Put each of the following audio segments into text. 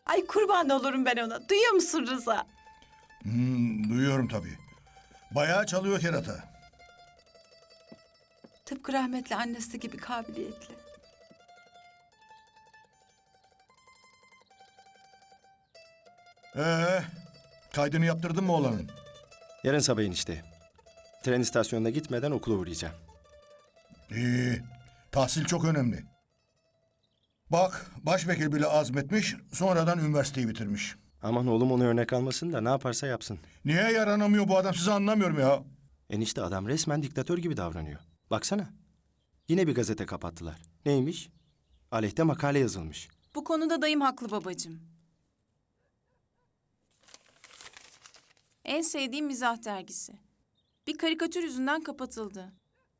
Ay kurban olurum ben ona. Duyuyor musun Rıza? Duyuyorum tabii. Bayağı çalıyor kerata. Tıpkı rahmetli annesi gibi kabiliyetli. Kaydını yaptırdın mı oğlanın? Yarın sabah enişte. Tren istasyonuna gitmeden okula uğrayacağım. İyi. Tahsil çok önemli. Bak, başvekil bile azmetmiş, sonradan üniversiteyi bitirmiş. Aman oğlum onu örnek almasın da ne yaparsa yapsın. Niye yaranamıyor bu adam, sizi anlamıyorum ya. Enişte adam resmen diktatör gibi davranıyor. Baksana. Yine bir gazete kapattılar. Neymiş? Aleyhte makale yazılmış. Bu konuda dayım haklı babacığım. En sevdiğim mizah dergisi. Bir karikatür yüzünden kapatıldı.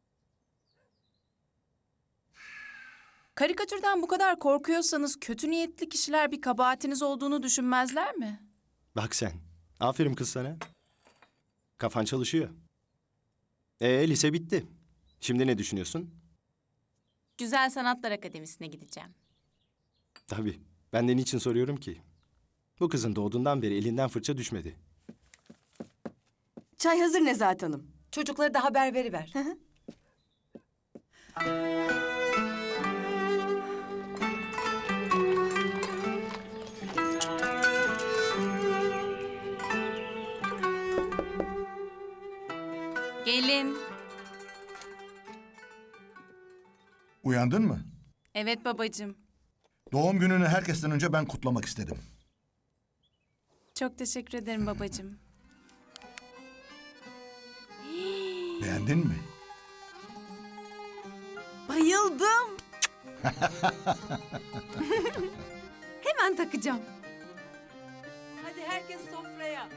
Karikatürden bu kadar korkuyorsanız kötü niyetli kişiler bir kabahatiniz olduğunu düşünmezler mi? Bak sen. Aferin kız sana. Kafan çalışıyor. Lise bitti. Şimdi ne düşünüyorsun? Güzel Sanatlar Akademisi'ne gideceğim. Tabii. Ben de niçin soruyorum ki? Bu kızın doğduğundan beri elinden fırça düşmedi. Çay hazır Nezahat Hanım. Çocuklara da haber veriver. Gelin. Uyandın mı? Evet babacığım. Doğum gününü herkesten önce ben kutlamak istedim. Çok teşekkür ederim babacığım. Beğendin mi? Bayıldım. Hemen takacağım. Hadi herkes sofraya.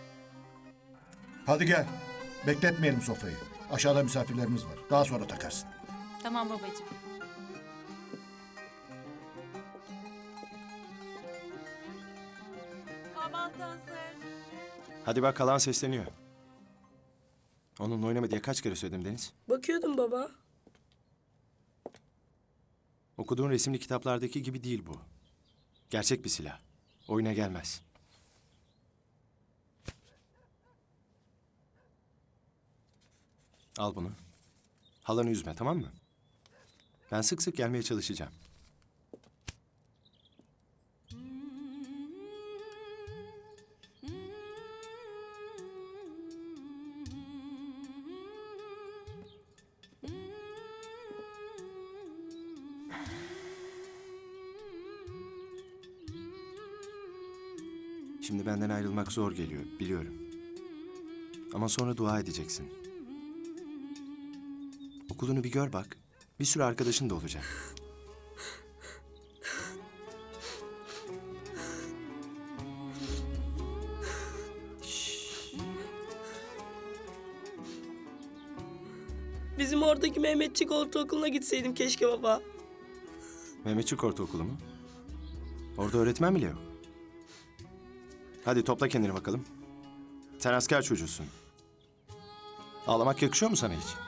Hadi gel. Bekletmeyelim sofrayı. Aşağıda misafirlerimiz var. Daha sonra takarsın. Tamam babacığım. Kahvaltı hazır. Hadi bak kalan sesleniyor. Onunla oynama diye kaç kere söyledim Deniz? Bakıyordum baba. Okuduğun resimli kitaplardaki gibi değil bu. Gerçek bir silah. Oyuna gelmez. Al bunu. Halanı üzme, tamam mı? Ben sık sık gelmeye çalışacağım. Şimdi benden ayrılmak zor geliyor, biliyorum. Ama sonra dua edeceksin. Okulunu bir gör bak. Bir sürü arkadaşın da olacak. Bizim oradaki Mehmetçik Ortaokulu'na gitseydim keşke baba. Mehmetçik Ortaokulu mu? Orada öğretmen bile yok. Hadi topla kendini bakalım. Sen asker çocuğusun. Ağlamak yakışıyor mu sana hiç?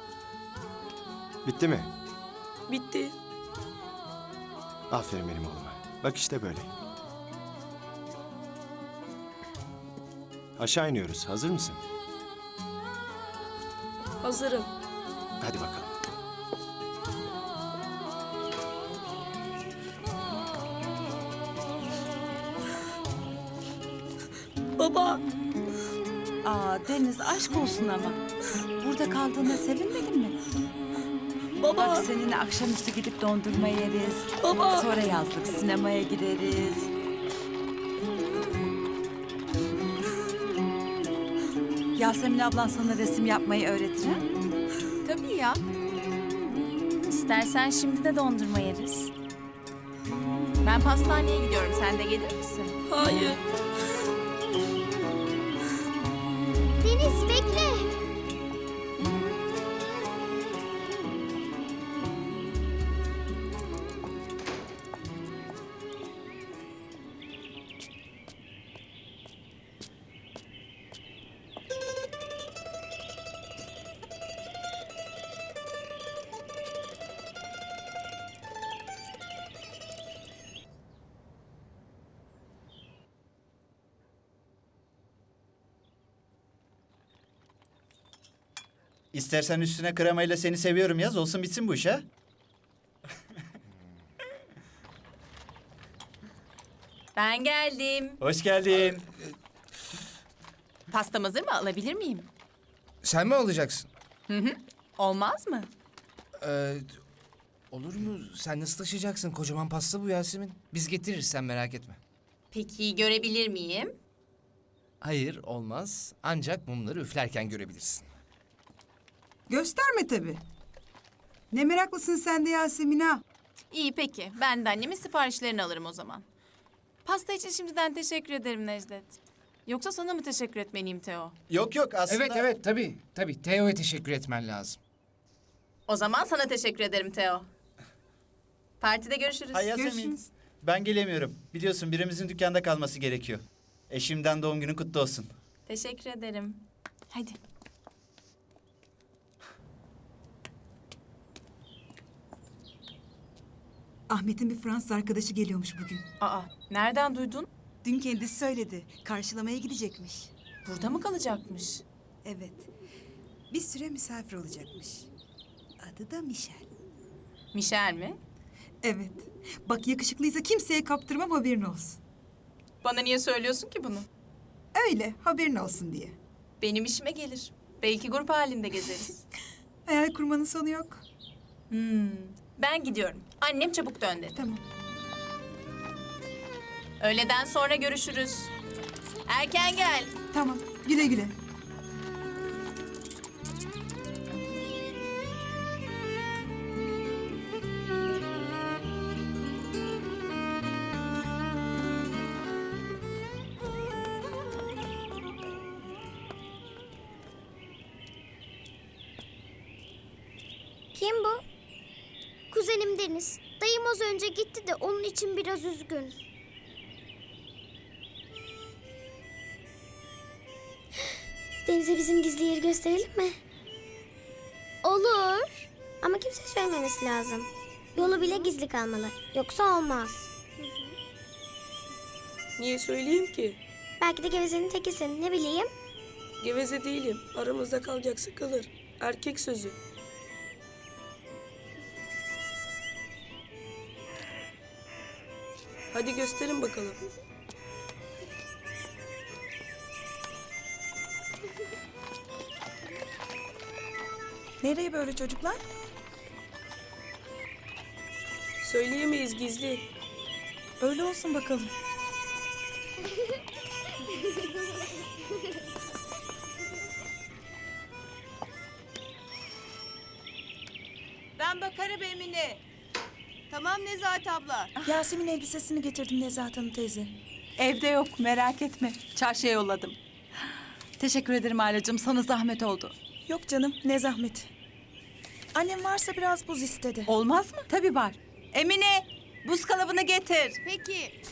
Bitti mi? Bitti. Aferin benim oğluma. Bak işte böyle. Aşağı iniyoruz. Hazır mısın? Hazırım. Hadi bakalım. Baba. Aa Deniz aşk olsun ama. Burada kaldığına sevinmedin mi? Baba. Bak seninle akşamüstü gidip dondurma yeriz. Baba. Sonra yazlık sinemaya gideriz. Yasemin ablan sana resim yapmayı öğretir ha? Tabii ya. İstersen şimdi de dondurma yeriz. Ben pastaneye gidiyorum. Sen de gelir misin? Hayır. Deniz bekle. İstersen üstüne kremayla seni seviyorum yaz, olsun bitsin bu iş ha. Ben geldim. Hoş geldin. Pastam hazır mı? Alabilir miyim? Sen mi alacaksın? Olmaz mı? Olur mu? Sen nasıl taşıyacaksın? Kocaman pasta bu Yasemin. Biz getiririz, sen merak etme. Peki görebilir miyim? Hayır, olmaz. Ancak mumları üflerken görebilirsin. Gösterme tabii. Ne meraklısın sen de Yasemin ha. İyi peki. Ben de annemin siparişlerini alırım o zaman. Pasta için şimdiden teşekkür ederim Necdet. Yoksa sana mı teşekkür etmeliyim Teo? Yok yok aslında... Evet, tabii. Teo'ya teşekkür etmen lazım. O zaman sana teşekkür ederim Teo. Partide görüşürüz. Hay Yasemin, Görüşürüz. ben gelemiyorum. Biliyorsun birimizin dükkanda kalması gerekiyor. Eşimden doğum günün kutlu olsun. Teşekkür ederim. Hadi. Ahmet'in bir Fransız arkadaşı geliyormuş bugün. Aa, nereden duydun? Dün kendisi söyledi. Karşılamaya gidecekmiş. Burada mı kalacakmış? Evet. Bir süre misafir olacakmış. Adı da Michel. Michel mi? Evet. Bak yakışıklıysa kimseye kaptırmam, haberin olsun. Bana niye söylüyorsun ki bunu? Öyle, haberin olsun diye. Benim işime gelir. Belki grup halinde gezeriz. Hayal kurmanın sonu yok. Ben gidiyorum. Annem çabuk dön dedi. Tamam. Öğleden sonra görüşürüz. Erken gel. Tamam. Güle güle. Kim bu? Kuzenim Deniz. Dayım az önce gitti de onun için biraz üzgün. Deniz'e bizim gizli yeri gösterelim mi? Olur. Ama kimse söylememesi lazım. Yolu bile gizli kalmalı. Yoksa olmaz. Niye söyleyeyim ki? Belki de gevezenin tekisin. Ne bileyim. Geveze değilim. Aramızda kalacaksa kalır. Erkek sözü. Hadi gösterin bakalım. Nereye böyle çocuklar? Söyleyemeyiz, gizli. Öyle olsun bakalım. Ben bakarım Emine. Tamam Nezahat abla. Yasemin elbisesini getirdim Nezahat Hanım teyze. Evde yok, merak etme. Çarşıya yolladım. Teşekkür ederim Ailacığım, sana zahmet oldu. Yok canım, ne zahmet. Annem varsa biraz buz istedi. Olmaz mı? Tabii var. Emine, buz kalıbını getir. Peki.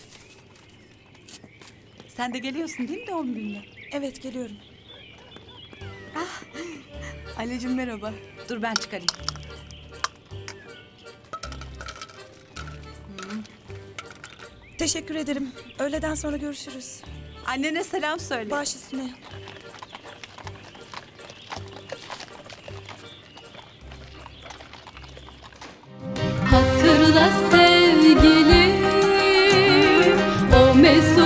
Sen de geliyorsun değil mi doğum gününe? Evet, geliyorum. Ailacığım merhaba. Dur ben çıkarayım. Teşekkür ederim. Öğleden sonra görüşürüz. Annene selam söyle. Baş üstüne. Hatırla sevgilim, o mesut